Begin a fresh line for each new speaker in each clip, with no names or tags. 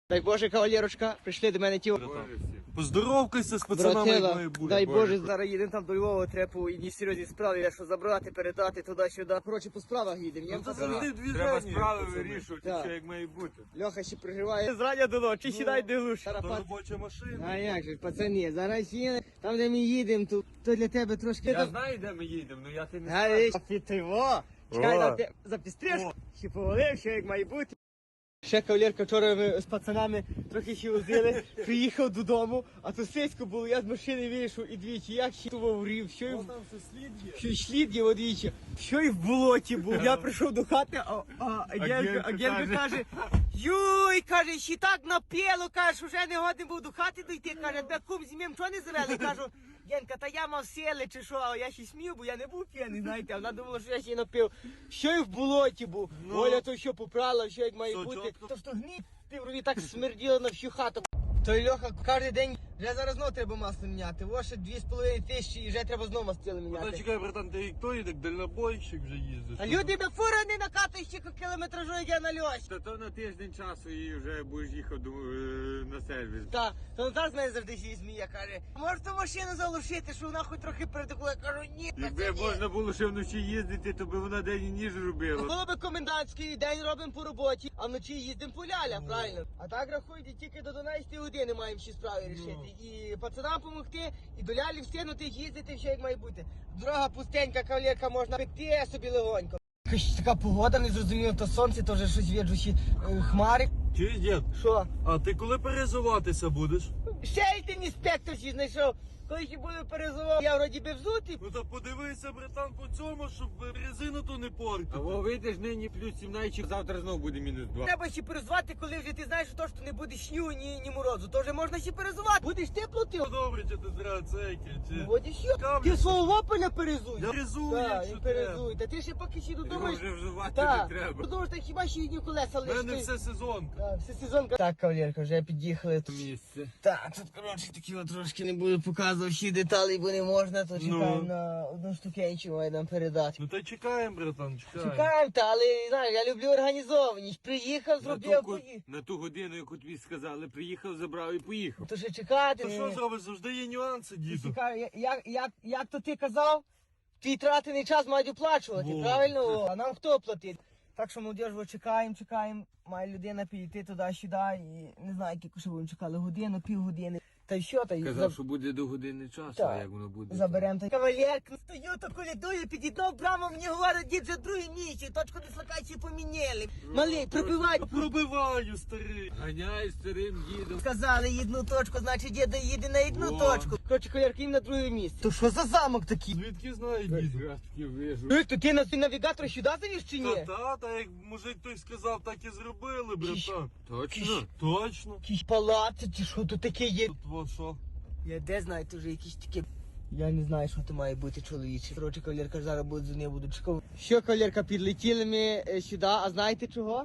Дай Боже, кавалерочка, прийшли до мене ті.
Поздоровкайся з пацанами, як має бути.
Дай Боже, зараз їдемо там до Львова, треба по одній серйозній справі, що забрати, передати туди-сюди. Коротше, по справах їдемо.
Треба справи вирішувати,
Так.
що як має бути.
Льоха ще приживає. Зрання до ночі, сідай де глуш.
Та робоча машина.
А як же, пацани, зараз їдемо, там де ми їдемо, то для тебе трошки...
Я знаю, де ми їдемо, але я ти не
А
знаю.
пітиво! Чекай,
О.
нам ти запістриш, ще повалив, що як має бути. Ще кавалерка вчора ми з пацанами трохи ще возили, приїхав додому, а то сисько було, я з машини вийшов і двічі, як ще врів, що й
Там все слід є.
що й слід є одвічі, що й в болоті був. Я прийшов до хати, а Генка каже, юй, каже, ще так напіло, каже, вже не годен був до хати дойти, каже, тебе кум зім'єм, чого не завели? Кажу, Генка, та я мав сили чи що, а я ще смів, бо я не був п'яний, знаєте, а вона думала, що я ще й напив. Що й в болоті був, Оля то що попрала, що як має
Все
бути.
чітко.
То що гнить, ти врові так смерділо на всю хату. Той Льоха кожен день, вже зараз знову треба масло міняти, ось ще 2,5 тисячі і вже треба знову мастило
Та
міняти.
чекай, братан, ти хто їде, дальнобойщик вже їздиш.
А люди на фура не накатують ще кілометражу, як я на льось.
Та то на тиждень часу і вже будеш їхати на сервіс.
Та, то зараз мене завжди ще змія каже, може ту машину залишити, що вона хоч трохи передихла. Я кажу, ні,
Якби
пацані.
можна було ще вночі їздити, то би вона день і ніж робила.
Було би комендантський день робимо по роботі, а вночі їздимо по лялях, правильно? А так рахуйте, тільки до 12 години маємо ще справи рішити. І пацанам допомогти, і до лялі встигнути їздити, все як має бути. Дорога пустенька, кавалерка, можна пекти собі легонько. Якась така погода, не зрозуміло, то сонце, то вже щось віджу, ще хмари.
Чуєш, дід?
Що?
А ти коли перезуватися будеш?
Ще й ти інспектор ще знайшов. Коли ще буду перезував, я вроді би взутий.
Ну та подивися, братан, по цьому, щоб резину то не портити. А во вийдеш нині плюс 17, завтра знову буде мінус 2.
Треба ще перезувати, коли вже ти знаєш, що не буде снігу, ні морозу. То вже можна ще перезувати. Будеш тепло ти.
Ну добре, чи ти зря цейки, чи...
От і що?
Кавлю.
Ти свого вопеля перезуй.
Я резую,
Так,
якщо
і
треба.
перезуй. Та ти ще поки ще
Його
додумаєш.
вже вживати
Так,
не треба.
думаєш, так хіба ще одні колеса
У мене
лише.
все сезонка.
Так, все сезонка. Так, кавалерка, вже під'їхали.
Місце.
Так, тут, коротше, такі от трошки не буду показувати всі деталі, бо не можна, то чекаємо на одну штукенчу, має нам передати.
Ну та чекаємо, братан, чекаємо.
Чекаємо, та, але, знаєш, я люблю організованість. Приїхав, зробив, поїхав.
На ту годину, яку тобі сказали, приїхав, забрав і поїхав.
То ще чекати.
То що зробиш, завжди є нюанси, діду.
Цікаво, як то ти казав, твій тратений час мають оплачувати,
Во.
правильно? О, а нам хто платить? Так що, молодіж, чекаємо, має людина підійти туди-сюди і не знаю, яку ще будемо чекали, годину, півгодини. Та й що, та й
Казав, що буде до години часу,
Так.
а як воно буде?
заберемо. Та кавалерка, стою, то колядую, підійдав прямо, мені говорить, дід вже другий місяць, точку дислокації поміняли. Малий, пробивай.
Пробиваю, старий. Ганяй старим дідом.
Сказали одну точку, значить діда їде на одну
Во.
точку. Коротше, кавалерка, їм на друге місце. То що за замок такий?
Звідки знає діду? Я таки вижу.
То ти на навігатор сюди завіз чи ні?
Та, як мужик той сказав, так і зробили, братан.
Точно?
Точно? Точно.
Якісь палаци, чи що тут таке є?
Тут вот що?
Я де знаю, тут вже якісь такі. Я не знаю, що це має бути чоловіче. Коротше, кавалерка, зараз буде за нею буду чекати. Що, кавалерка, підлетіли ми сюди, а знаєте чого?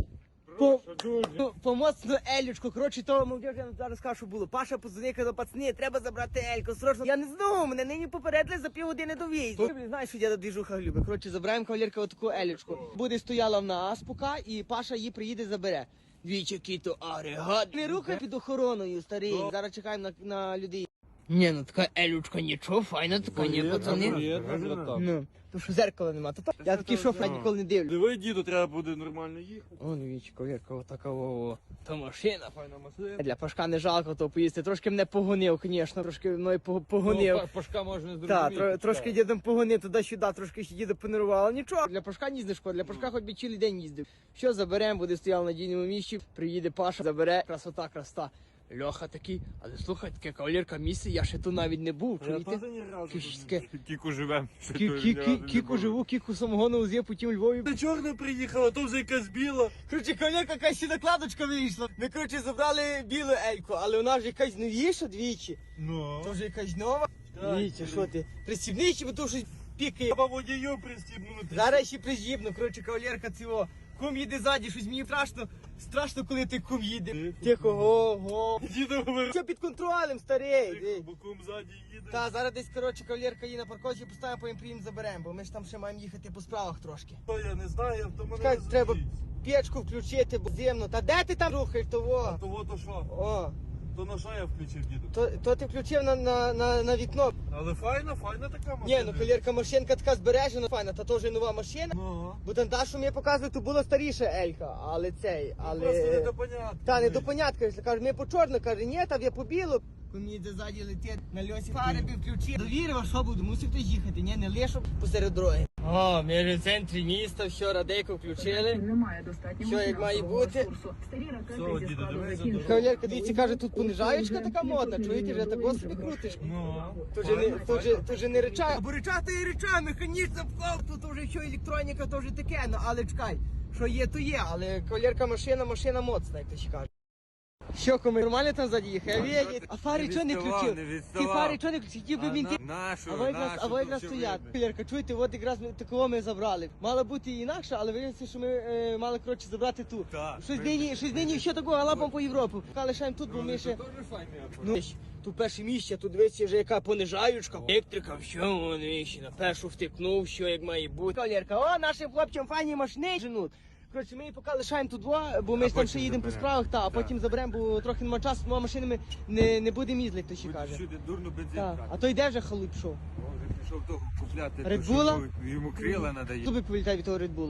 По моцну Елючку, коротше, того молодіж, я зараз скажу, що було. Паша позвонив, казав, пацани, треба забрати Ельку, срочно. Я не знаю, мене нині попередили за півгодини до в'їзду. Знаєш, що я до двіжуха любить. Коротше, забираємо кавалерка отаку Елючку. Буде стояла в нас поки, і Паша її приїде, забере. Двічі кіто агрегат. Не рухай під охороною, старий. Зараз чекаємо на людей. Ні, ну така Елючка нічого, файна така, ні, пацани. Ну, то що зеркала нема, то я такий шофер ніколи не дивлю.
Диви, діду, треба буде нормально їхати.
О, дивіться, ковірка, отака во. Та машина.
Файна машина.
Для Пашка не жалко то поїсти. Трошки мене погонив, звісно, трошки мною погонив.
Пашка можна
Так, трошки дідом погонив туди-сюди, трошки ще діда понервував. Нічого, для Пашка ні не шкода, для Пашка хоч би цілий день їздив. Що заберемо, буде стояв на дійному місці, приїде Паша, забере, красота. Льоха такий, але слухай, таке кавалерка місце, я ще тут навіть не був,
Я
чуєте?
теж ні разу.
Кишське.
Кіку живем.
Кіку живу, кіку самогону уз'є, потім Львові.
Ти чорна приїхала, то вже якась біла.
Короче, кавалерка, якась ще накладочка вийшла. Ми, короче, забрали білу Ельку, але вона ж якась новіша двічі.
Ну.
То вже якась нова. Дивіться, що ти? Пристібничі, бо то щось пікає.
Треба водію пристібнути.
Зараз ще прижібно, коротше, кавалерка цього. Кум їде ззаді, щось мені страшно, коли ти кум їде. Тихо, го.
Діду говорить.
Все під контролем, старий.
Боком ззаді їде.
Та, зараз десь, коротше, кавалерка її на парковці поставимо, потім приїм заберемо, бо ми ж там ще маємо їхати по справах трошки.
То я не знаю, то мене
Чекай,
не
треба
зустріть.
печку включити, бо зимно. Та де ти там рухаєш того?
То що?
О,
То на що я включив, діду?
то ти включив на вікно.
Але файна така машина.
Ні, ну колірка, машинка така збережена, файна, та теж нова машина.
Ну,
Бо там та, що мені показує, то була старіша Елька, але
просто не допонятно.
Та, не до понятка, якщо каже, ми по чорно, каже, ні, там я по білу. Мені де ззаді летить, на льосі фари включив. Довірив, а що буду, мусив хтось їхати, ні, не лише посеред дороги. О, ми вже в центрі міста, все, радейку включили.
Немає достатнього
Що, як має
фінансового
бути?
ресурсу. Старі ракети
Все,
зі
діду,
складу
дивись,
закінчили.
Кавалерка, дивіться, каже, тут понижаєчка така модна, чуєте, вже так собі крутиш.
Ну,
Тут же не реча, бо реча то і реча, механічна вклав, тут вже що електроніка, то вже таке, ну але чекай, що є, то є, але кавалерка машина моцна, як то ще каже. Що, кому нормально там ззаді їхав? Я видів. А фари чого не включив? Ті фари чого не включив? Хотів би він ті.
Нашу,
А ви якраз стоять. Кавалерка, чуєте, от якраз ми такого ми забрали. Мало бути і інакше, але виявилося, що ми мали, коротше, забрати ту.
Так.
Щось нині ще такого галапом по Європу. Поки лишаємо тут, бо ми ще...
Дуже файний
Ну, тут перше місце, тут дивіться вже яка понижаючка, електрика, все, вони ще на першу втикнув, що як має бути. Кавалерка, о, нашим хлопцям файні машини женуть. Коротше, ми її поки лишаємо тут два, бо ми ж там ще їдемо по справах, а потім заберемо, бо трохи нема часу, двома машинами не будемо їздити, хто ще каже.
Всюди дурно бензин
Так.
брати.
А то йде вже халуй пішов.
Вже пішов того купляти.
Red
то, що
Bulla?
Йому крила надає.
Зуби повилітає від того Red Bull.